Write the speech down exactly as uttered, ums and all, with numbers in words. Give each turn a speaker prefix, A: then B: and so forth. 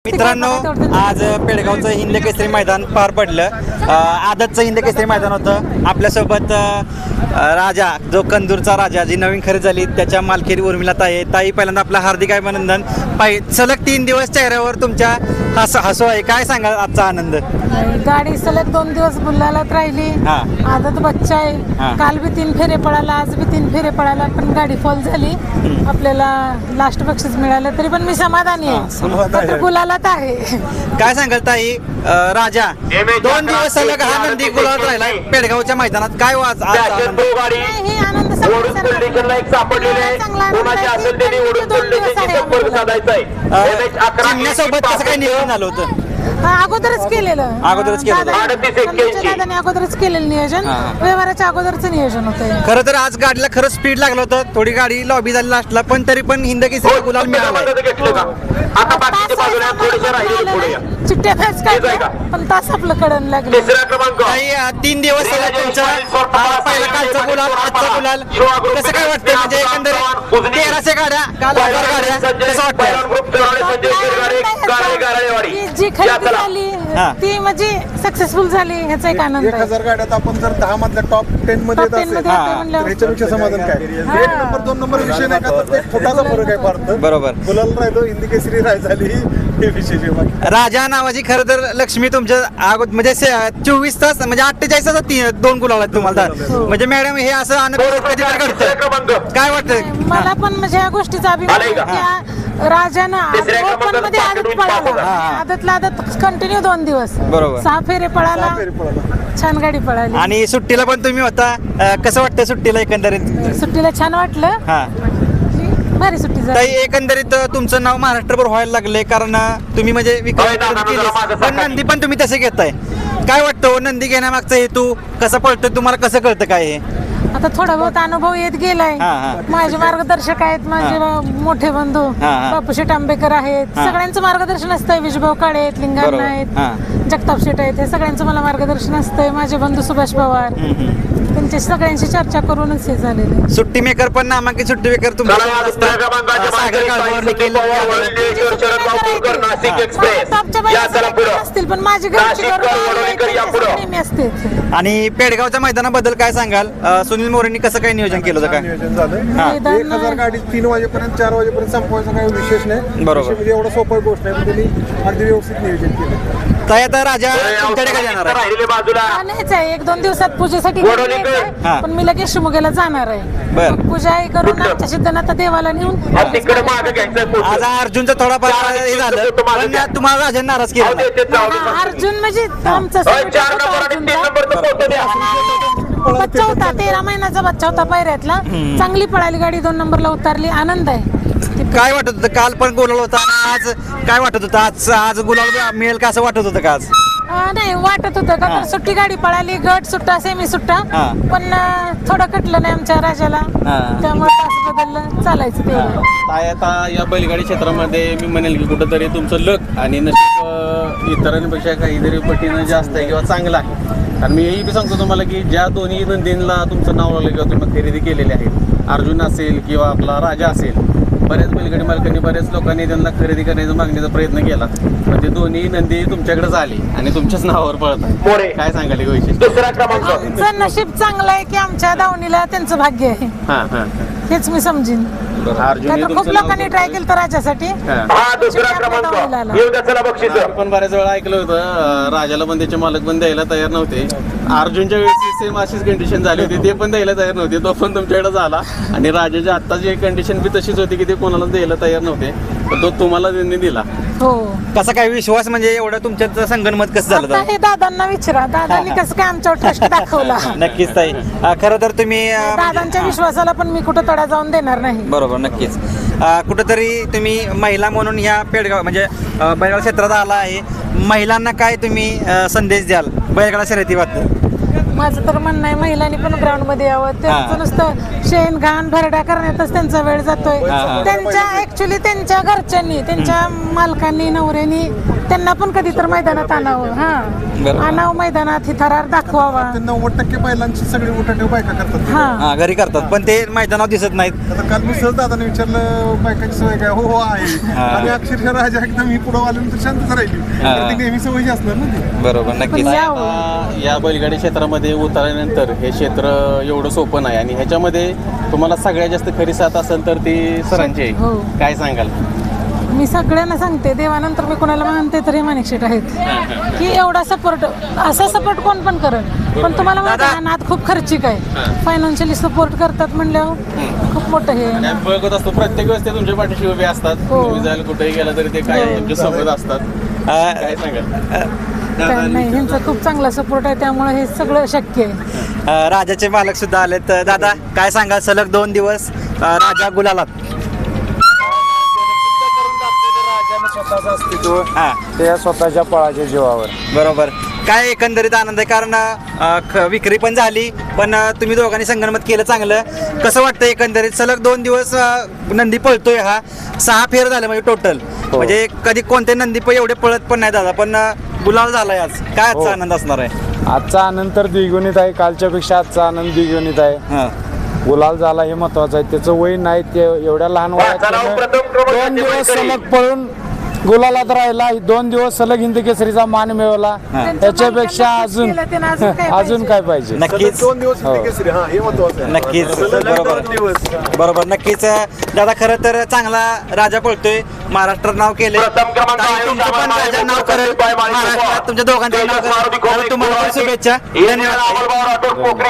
A: मित्रांनो, आज पेडगावचं हिंद केसरी मैदान पार पडलं। आदतचं हिंद केसरी मैदान होतं। आपल्यासोबत राजा, जो कंदूरचा राजा, जी नवीन खरेदी झाली त्याच्या मालकी उर्मिला ताई ताई पहिल्यांदा आपला हार्दिक अभिनंदन। पाय सलग तीन दिवस चेहऱ्यावर तुमच्या हस हसू आहे, काय सांगा आजचा आनंद?
B: गाडी सलग दोन दिवस गुलालात राहिली। आदत बच्चा आहे, काल बी तीन फेरे पळाला, आज बी तीन फेरे पळाला, पण गाडी फॉल झाली। आपल्याला लास्ट बक्षीस मिळालं, तरी पण मी समाधानी आहे, गुलालात आहे।
A: काय सांगाल ताई? राजा दोन दिवस सलग हा नंदी गुलालात राहिला पेडगावच्या मैदानात, काय वाज आज आनंद?
B: हे आनंद
A: चिमण्यासोबत कसं काय नियोजन झालं होतं?
B: अगोदरच केलेलं
A: अगोदरच केलेलं
B: दादाने अगोदरच केलेलं नियोजन, व्यवहाराच्या अगोदरच नियोजन होतं।
A: खरं तर आज गाडीला खरंच स्पीड लागलं होतं, थोडी गाडी लॉबी झाली लास्टला, पण तरी पण हिंद केसरी गुलाल मिळाला।
B: चिट्ट्या फॅच काढल्या, पण तास आपलं कडन लागलं।
A: तीन दिवस तुमचा पहिला कालचा गुलाल, आजचा गुलाल, कसं काय वाटतं? म्हणजे एकंदरीत तेराशे गाड्या, काल हजार गाड्या, कसं वाटतं?
B: जी खरेदी झाली ती म्हणजे सक्सेसफुल झाली, ह्याचा एक आनंद
C: एक हजार गाड्यात आपण जर दहा मधल्या टॉप टेन मध्ये येत असेल, ह्याच्यापेक्षा समाधान काय? एक नंबर दोन नंबर विषय नाही का, तर एक छोटासा फरक आहे फार तर.
A: बरोबर,
C: गुलाल राहिलो, हिंदी केसरी राय झाली, हे विशेष आहे।
A: राजा नावाची खरं तर लक्ष्मी तुमच्या अगोदर म्हणजे चोवीस तास म्हणजे अठ्ठेचाळीस तास तीन दोन गुलाल आहेत तुम्हाला, म्हणजे मॅडम हे असं अनेक घडतं, काय वाटतं?
B: मला पण म्हणजे या गोष्टीचा अभिमान, राजानं ओपन मध्ये आदत पळाला, आदतला आदत कंटिन्यू दोन दिवस,
A: बरोबर,
B: सहा फेरे पळाला, छान गाडी पळाली।
A: आणि सुट्टीला पण तुम्ही होता, कसं वाटतं सुट्टीला? एकंदरीत
B: सुट्टीला छान वाटलं,
A: हा
B: भारी सुट्टी झाली।
A: ताई, एकंदरीत तुमचं नाव महाराष्ट्रभर व्हायला लागले, कारण तुम्ही म्हणजे विक्रम केले, पण नंदी पण तुम्ही तसे घेताय, काय वाटतं? नंदी घेण्यामागचा हेतू कसा पळतो तुम्हाला, कसं कळतं काय हे?
B: आता थोडा बहुत अनुभव येत गेलाय, माझे मार्गदर्शक आहेत, माझे मोठे बंधू बापू शेट आंबेकर आहेत, सगळ्यांचं मार्गदर्शन असतंय, विजभाऊ काळे आहेत, लिंगाण आहेत, जगताप शेट आहेत, हे सगळ्यांचं मला मार्गदर्शन असतंय, माझे बंधू सुभाष पवार, त्यांच्या सगळ्यांशी चर्चा करूनच हे झालेलं।
A: सुट्टी मेकर पण नामांकित सुट्टी मेकर तुम्हाला
B: असतील, पण माझी घरची असते।
A: आणि पेडगावच्या मैदानाबद्दल काय सांगाल? सुनील मोरेंनी कसं काय नियोजन केलं होतं? काय
C: नियोजन झालं? एक हजार गाडी तीन वाजेपर्यंत चार वाजेपर्यंत संपवायचा काही विशेष नाही,
A: बरोबर,
C: म्हणजे एवढं सोपं गोष्ट आहे, पण त्यांनी अगदी व्यवस्थित नियोजन केलं।
A: ताई, आता राजा तुमच्याकडे काय जाणार आहे?
B: एक दोन दिवसात पूजेसाठी, पण मी लगेच शिमोग्याला जाणार आहे, पूजा करून आमच्या सिद्धनाथ देवाला नेऊन।
A: आज अर्जुनचा थोडाफार हे झालं, पण तुम्हाला राजा नाराज केला?
B: अर्जुन म्हणजे आमचा बच्चा होता, तेरा महिन्याचा बच्चा होता पायऱ्यातला, चांगली पळाली गाडी, दोन नंबरला उतरली, आनंद आहे।
A: काय वाटत होतं? काल पण गुलाल होता, आज काय वाटत होतं? आज आज गुलाल मिळेल का असं वाटत होतं का आज?
B: नाही वाटत होतं का, तर सुट्टी गाडी पळाली, गट सुट्टा, सेमी सुट्टा, पण थोडं कटलं नाही आमच्या राजाला, त्यामुळे तास बदललं, चालायचं तेवढं।
D: काय आता या बैलगाडी क्षेत्रामध्ये मी म्हणेल की कुठंतरी तुमचं लक आणि नशीब इतरांपेक्षा काहीतरी पटीनं जास्त आहे किंवा चांगलं आहे, आणि मी हेही सांगतो तुम्हाला की ज्या दोन्ही नंदींना तुमचं नाव लावलं किंवा तुम्ही खरेदी केलेली आहे, अर्जुन असेल किंवा आपला राजा असेल, बऱ्याच बैलगाडी मालकांनी बऱ्याच लोकांनी त्यांना खरेदी करण्याचा मागण्याचा प्रयत्न केला, पण ते दोन्ही नंदी तुमच्याकडेच आली आणि तुमच्याच नावावर पळतात, काय सांगाल हे वैशिष्ट्य?
B: आमचं नशीब चांगलं आहे की आमच्या दावणीला त्यांचं भाग्य आहे,
D: हा हा
B: हेच मी समजीन। खूप लोकांनी ट्राय केलं तर राजासाठी,
D: पण बऱ्याच वेळा ऐकलं होतं राजाला पण त्याचे मालक पण द्यायला तयार नव्हते, अर्जुनच्या वेळेस सेम अशीच कंडिशन झाली होती, ते पण द्यायला तयार नव्हते, तो पण तुमच्याकडे झाला, आणि राजाची आत्ताची कंडिशन बी तशीच होती की ते कोणाला द्यायला तयार नव्हते, पण तो तुम्हाला त्यांनी दिला।
B: हो,
A: कसा काय विश्वास, म्हणजे एवढं तुमच्यात संगनमत कसं झालं?
B: हे दादांना विचारा, दादांनी कसं काय आमच्यावर ट्रस्ट दाखवला।
A: नक्कीच ताई, खरं तर तुम्ही
B: दादांच्या विश्वासाला पण मी कुठं तडा जाऊन देणार नाही।
A: बरोबर, नक्कीच कुठंतरी तुम्ही महिला म्हणून ह्या पेडगाव म्हणजे बैलगाडा क्षेत्रात आला आहे, महिलांना काय तुम्ही संदेश द्याल बैलगाडा शर्यतीबद्दल?
B: माझं तर म्हणणं आहे महिलांनी पण ग्राउंड मध्ये यावं. त्यांचं नुसतं शेण घाण भरडा करण्यातच त्यांचा वेळ जातोय. त्यांच्या ऍक्च्युली त्यांच्या घरच्यांनी त्यांच्या मालकांनी नवऱ्यांनी त्यांना पण कधी तर मैदानात आणावं. हा आणावं मैदानात, ही थरार दाखवावा.
C: नव्वद टक्के बैलांची सगळी उठाठेव बायका करतात.
A: हा घरी करतात पण ते मैदानावर दिसत नाहीत.
C: आता काल मी सहज दादाने विचारलं बायकांची सवय काय. हो हो आहे. आणि अक्षरशः राजा एकदम ही पुढे आल्यानंतर शांतच राहिली. तर ती नेहमी सवयी असणार ना ती.
A: बरोबर नक्कीच.
D: आता या बैलगाडी क्षेत्रामध्ये उतरल्यानंतर हे क्षेत्र एवढं सोपं नाही आणि ह्याच्यामध्ये तुम्हाला सगळ्यात जास्त खरी साथ असेल तर ती सरांची आहे.
B: हो.
D: काय सांगाल?
B: मी सगळ्यांना सांगते, देवानंतर मी कोणाला मानते तर हे माणिक शेट आहेत की एवढा सपोर्ट, असा सपोर्ट कोण पण करत. पण तुम्हाला माहिती आहे नाद खूप खर्चिक आहे. फायनान्शियली सपोर्ट करतात म्हणल्यावर खूप मोठं हे
D: आणि आम्ही बघत असतो प्रत्येक वेळेस ते तुमच्या पाठीशी उभे असतात. तुम्ही जायला कुठेही गेला तरी ते काय तुमच्या सोबत असतात. काय सांगाल?
B: काय नाही, ह्यांचा खूप चांगला सपोर्ट आहे त्यामुळे हे सगळं शक्य आहे.
A: अ, राजाचे मालक सुद्धा आलेत. दादा काय सांगाल, सलग दोन दिवस अ, राजा गुलालात.
E: स्वतःचं अस्तित्व
A: हा
E: त्या स्वतःच्या पळाच्या जीवावर.
A: बरोबर. काय एकंदरीत आनंद आहे कारण अ, ख- विक्री पण झाली पण अ, तुम्ही दोघांनी संगनमत केलं चांगलं. कसं वाटतं एकंदरीत सलग दोन दिवस अ, नंदी पळतोय हा सहा फेर झाले म्हणजे टोटल. म्हणजे कधी कोणते नंदी पण एवढे पळत पण नाही दादा पण अ, गुलाल झालाय आज. काय आजचा आनंद असणार आहे?
E: आजचा आनंद तर द्विगुणित आहे. कालच्या पेक्षा आजचा आनंद द्विगुणित आहे.
A: हा
E: गुलाल झाला हे महत्वाचं आहे. त्याचं वय नाही, ते एवढ्या लहान वयात त्यानं दोन दिवस सलग पळून गुलालात राहिला. दोन दिवस सलग हिंद केसरीचा मान मिळवला. त्याच्यापेक्षा अजून
B: केलं त्यानं अजून काय
E: अजून काय पाहिजे.
A: नक्कीच
C: दोन दिवस केसरी. हा हे महत्वाचं आहे.
A: नक्कीच
C: सलग
A: बरोबर
C: दोन दिवस.
A: बरोबर नक्कीच. दादा खरं तर चांगला राजा पळतोय, महाराष्ट्रात नाव केले. तुमचं पण राजा नाव करेल महाराष्ट्रात, तुमच्या दोघांचं नाव करेल. तुम्हाला पण शुभेच्छा. धन्यवाद.